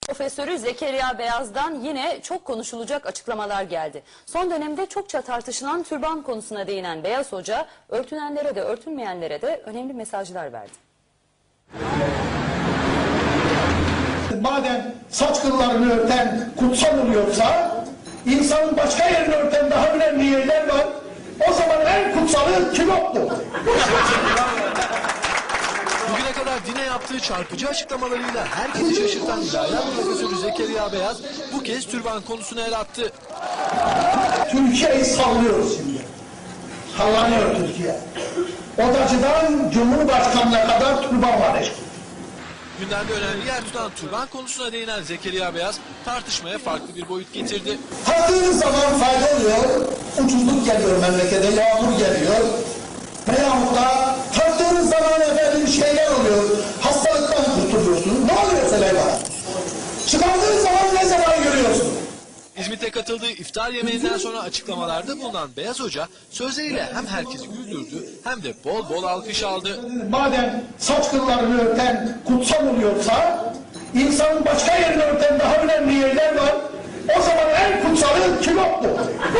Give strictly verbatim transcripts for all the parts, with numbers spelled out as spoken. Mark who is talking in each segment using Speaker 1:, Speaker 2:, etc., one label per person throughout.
Speaker 1: Profesörü Zekeriya Beyaz'dan yine çok konuşulacak açıklamalar geldi. Son dönemde çokça tartışılan türban konusuna değinen Beyaz Hoca, örtünenlere de örtünmeyenlere de önemli mesajlar verdi.
Speaker 2: Madem saç kıllarını örten kutsal oluyorsa, insanın başka yerini örten daha önemli yerler var. O zaman en kutsalı kilottur.
Speaker 3: Bugüne kadar dine yaptığı çarpıcı açıklamalarıyla herkesi şaşırtan İlahiyat Profesörü Zekeriya Beyaz bu kez türban konusuna el attı.
Speaker 2: Türkiye'yi sallıyoruz şimdi. Sallanıyor Türkiye. Odacıdan Cumhurbaşkanı'na kadar türban var işte.
Speaker 3: Gündemde önemli yer tutan türban konusuna değinen Zekeriya Beyaz tartışmaya farklı bir boyut getirdi.
Speaker 2: Taktığınız zaman fayda oluyor, ucuzluk geliyor memlekete, yağmur geliyor. Veyahut da taktığınız zaman efendim şeyler oluyor, hastalıktan kurtuluyorsunuz. Ne oluyor söyle bana? Çıkardığınız zaman ne zaman görüyorsunuz?
Speaker 3: İzmit'te katıldığı iftar yemeğinden sonra açıklamalarda bulunan Beyaz Hoca sözleriyle hem herkesi güldürdü hem de bol bol alkış aldı.
Speaker 2: Madem saç kıllarını örten kutsal oluyorsa, insanın başka yerini örten daha önemli yerler var. O zaman en kutsalı kilottur.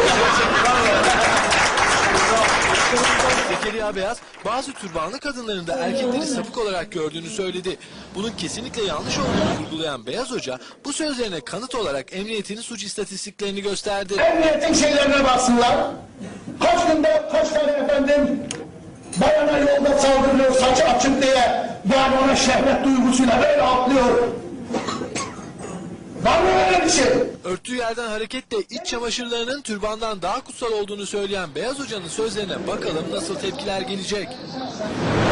Speaker 3: Zekeriya Beyaz bazı türbanlı kadınların da erkekleri sapık olarak gördüğünü söyledi. Bunun kesinlikle yanlış olduğunu vurgulayan Beyaz Hoca bu sözlerine kanıt olarak emniyetin suç istatistiklerini gösterdi.
Speaker 2: Emniyetin şeylerine baksınlar. Kaç günde kaç tane efendim bayana yolda saldırıyor saçı açık diye, yani ona şehvet duygusuyla böyle atlıyor. Var mı öyle bir şey?
Speaker 3: Örttüğü yerden hareketle iç çamaşırlarının türbandan daha kutsal olduğunu söyleyen Beyaz Hoca'nın sözlerine bakalım nasıl tepkiler gelecek.